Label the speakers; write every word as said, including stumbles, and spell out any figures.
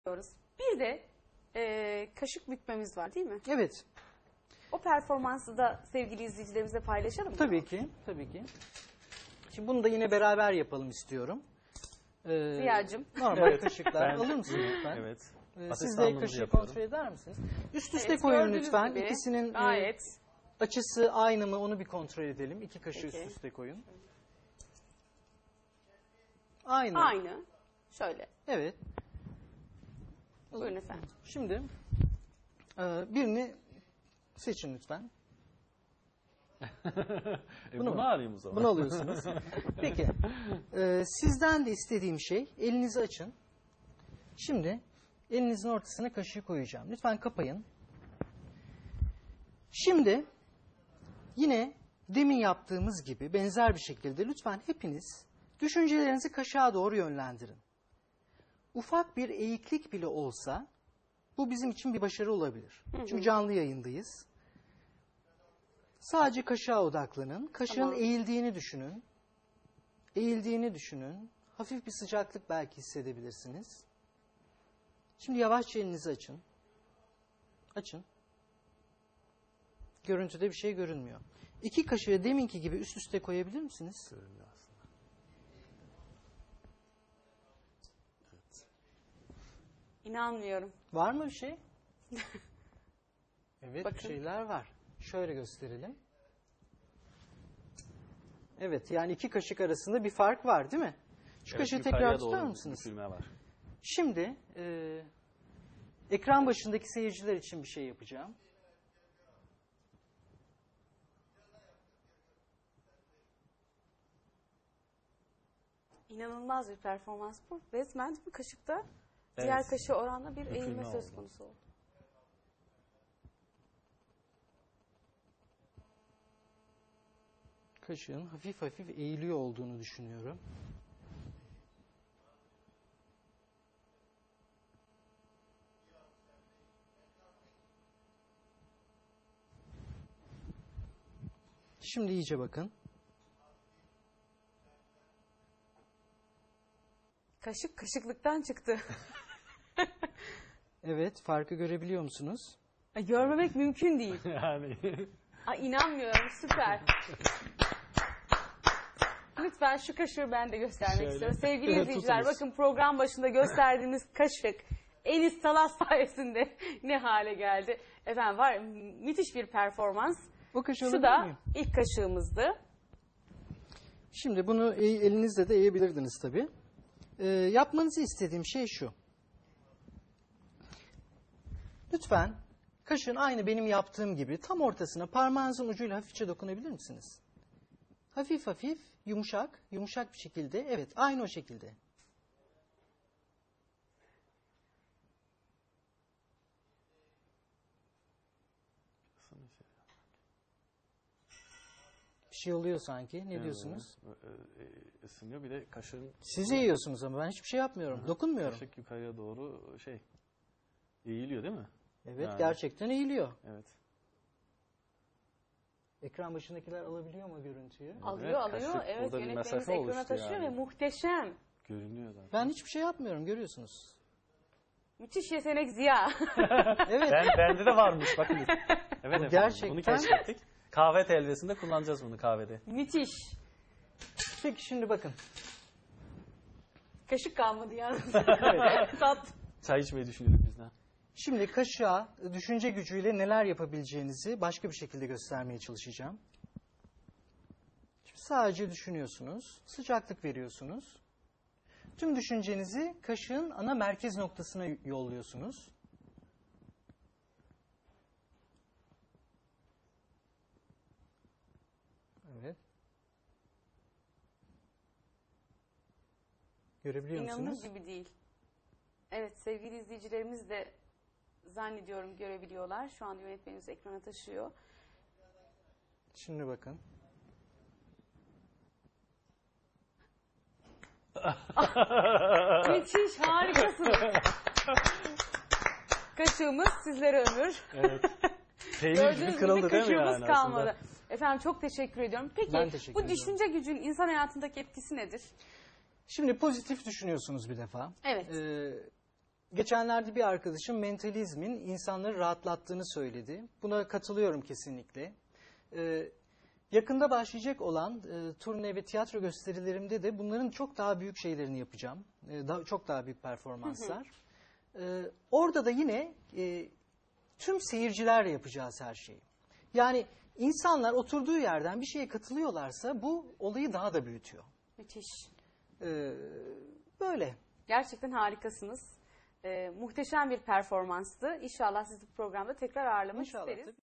Speaker 1: Bir de e, kaşık bükmemiz var değil mi?
Speaker 2: Evet.
Speaker 1: O performansı da sevgili izleyicilerimize paylaşalım mı?
Speaker 2: Tabii ki. Tabii ki. Şimdi bunu da yine beraber yapalım istiyorum. Ee,
Speaker 1: Ziya'cığım.
Speaker 2: Normal
Speaker 3: Evet.
Speaker 2: kaşıklar
Speaker 3: Ben-
Speaker 2: alır mısınız lütfen?
Speaker 3: Evet.
Speaker 2: Ee, siz de
Speaker 3: Asistanlığımızı
Speaker 2: kaşığı
Speaker 3: yapıyorum.
Speaker 2: kontrol eder misiniz? Üst üste
Speaker 1: Evet,
Speaker 2: koyun
Speaker 1: gördüğünüz
Speaker 2: lütfen.
Speaker 1: gibi
Speaker 2: İkisinin e,
Speaker 1: gayet.
Speaker 2: açısı aynı mı onu bir kontrol edelim. İki kaşığı
Speaker 1: Peki.
Speaker 2: üst üste koyun. Aynı.
Speaker 1: Aynı. Şöyle.
Speaker 2: Evet.
Speaker 1: Buyurun efendim.
Speaker 2: Şimdi e, birini seçin lütfen.
Speaker 3: e,
Speaker 2: Bunu
Speaker 3: bunu
Speaker 2: mu?
Speaker 3: alayım o zaman.
Speaker 2: Bunu alıyorsunuz. Peki. Ee, sizden de istediğim şey elinizi açın. Şimdi elinizin ortasına kaşığı koyacağım. Lütfen kapayın. Şimdi yine demin yaptığımız gibi benzer bir şekilde lütfen hepiniz düşüncelerinizi kaşığa doğru yönlendirin. Ufak bir eğiklik bile olsa bu bizim için bir başarı olabilir. Çünkü canlı yayındayız. Sadece kaşığa odaklanın. Kaşığın
Speaker 1: Tamam.
Speaker 2: eğildiğini düşünün. Eğildiğini düşünün. Hafif bir sıcaklık belki hissedebilirsiniz. Şimdi yavaşça elinizi açın. Açın. Görüntüde bir şey görünmüyor. İki kaşığı deminki gibi üst üste koyabilir misiniz?
Speaker 3: Görünüyor aslında.
Speaker 1: İnanmıyorum.
Speaker 2: Var mı bir şey? Evet,
Speaker 1: Bakın.
Speaker 2: bir şeyler var. Şöyle gösterelim. Evet, yani iki kaşık arasında bir fark var değil mi? Şu
Speaker 3: Evet,
Speaker 2: kaşığı
Speaker 3: yukarıya
Speaker 2: tekrar tutar
Speaker 3: doğru
Speaker 2: mısınız?
Speaker 3: bükülme var.
Speaker 2: Şimdi e, ekran başındaki seyirciler için bir şey yapacağım.
Speaker 1: İnanılmaz bir performans bu. Resmen bu kaşıkta
Speaker 3: Evet.
Speaker 1: diğer kaşığı oranla bir
Speaker 3: Bükülme
Speaker 1: eğilme söz
Speaker 3: oldu.
Speaker 1: konusu oldu.
Speaker 2: Kaşığın hafif hafif eğiliyor olduğunu düşünüyorum. Şimdi iyice bakın.
Speaker 1: Kaşık kaşıklıktan çıktı.
Speaker 2: Evet, farkı görebiliyor musunuz?
Speaker 1: Ay, görmemek mümkün değil.
Speaker 3: Yani
Speaker 1: Ay, inanmıyorum, süper. Lütfen şu kaşığı ben de göstermek
Speaker 3: Şöyle.
Speaker 1: istiyorum. Sevgili
Speaker 2: Evet,
Speaker 1: izleyiciler,
Speaker 2: tutunuz.
Speaker 1: bakın program başında gösterdiğimiz kaşık Enis Salas sayesinde ne hale geldi. Efendim var ya, müthiş bir performans.
Speaker 2: O kaşığı
Speaker 1: Şu
Speaker 2: alabilir
Speaker 1: da
Speaker 2: miyim?
Speaker 1: ilk kaşığımızdı.
Speaker 2: Şimdi bunu e- elinizle de eğebilirdiniz tabii. Ee, yapmanızı istediğim şey şu. Lütfen kaşığın aynı benim yaptığım gibi tam ortasına parmağınızın ucuyla hafifçe dokunabilir misiniz? Hafif hafif, yumuşak, yumuşak bir şekilde. Evet, aynı o şekilde. Bir şey oluyor sanki. Ne diyorsunuz?
Speaker 3: e, e, ısınıyor, bir de kaşığın
Speaker 2: Siz yiyorsunuz ama ben hiçbir şey yapmıyorum. Dokunmuyorum.
Speaker 3: kaşık yukarıya doğru şey eğiliyor değil mi?
Speaker 2: Evet,
Speaker 3: Yani.
Speaker 2: gerçekten eğiliyor.
Speaker 3: Evet.
Speaker 2: Ekran başındakiler alabiliyor mu görüntüyü?
Speaker 1: Alıyor alıyor.
Speaker 3: kaşık
Speaker 1: Evet,
Speaker 3: burada bir
Speaker 1: yönetmenimiz
Speaker 3: mesafe
Speaker 1: ekrana
Speaker 3: oluştu
Speaker 1: taşıyor
Speaker 3: yani.
Speaker 1: ve muhteşem.
Speaker 3: Görünüyor zaten.
Speaker 2: Ben hiçbir şey yapmıyorum, görüyorsunuz.
Speaker 1: Müthiş yetenek Ziya.
Speaker 2: Evet.
Speaker 3: Ben, bende de varmış bakın. Evet efendim,
Speaker 2: gerçekten-
Speaker 3: bunu keşfettik. Kahve telvesinde kullanacağız bunu kahvede.
Speaker 1: Müthiş.
Speaker 2: Peki şimdi bakın.
Speaker 1: Kaşık kalmadı yalnız. Tat.
Speaker 3: Çay içmeyi düşünüyorduk bizden.
Speaker 2: Şimdi kaşığa düşünce gücüyle neler yapabileceğinizi başka bir şekilde göstermeye çalışacağım. Şimdi sadece düşünüyorsunuz, sıcaklık veriyorsunuz. Tüm düşüncenizi kaşığın ana merkez noktasına yolluyorsunuz. Evet. Görebiliyor
Speaker 1: İnanılır
Speaker 2: musunuz?
Speaker 1: gibi değil. Evet, sevgili izleyicilerimiz de zannediyorum görebiliyorlar. Şu anda yönetmenimiz ekrana taşıyor.
Speaker 2: Şimdi bakın.
Speaker 1: Müthiş, harikasınız. Kaşığımız sizlere ömür.
Speaker 3: Evet. Peynir gibi
Speaker 1: Gördüğünüz gibi
Speaker 3: kırıldı değil mi
Speaker 1: kaşığımız
Speaker 3: yani
Speaker 1: kalmadı.
Speaker 3: aslında?
Speaker 1: Efendim çok teşekkür ediyorum. Peki
Speaker 2: Ben teşekkür
Speaker 1: bu
Speaker 2: ediyorum.
Speaker 1: düşünce gücün insan hayatındaki etkisi nedir?
Speaker 2: Şimdi pozitif düşünüyorsunuz bir defa.
Speaker 1: Evet.
Speaker 2: Ee, Geçenlerde bir arkadaşım mentalizmin insanları rahatlattığını söyledi. Buna katılıyorum kesinlikle. Ee, yakında başlayacak olan e, turne ve tiyatro gösterilerimde de bunların çok daha büyük şeylerini yapacağım. Ee, daha, çok daha büyük performanslar. Ee, orada da yine e, tüm seyircilerle yapacağız her şeyi. Yani insanlar oturduğu yerden bir şeye katılıyorlarsa bu olayı daha da büyütüyor.
Speaker 1: Müthiş.
Speaker 2: Ee, böyle.
Speaker 1: Gerçekten harikasınız. Ee, muhteşem bir performanstı. İnşallah sizi bu programda tekrar ağırlamak
Speaker 2: İnşallah,
Speaker 1: isteriz.
Speaker 2: tabii.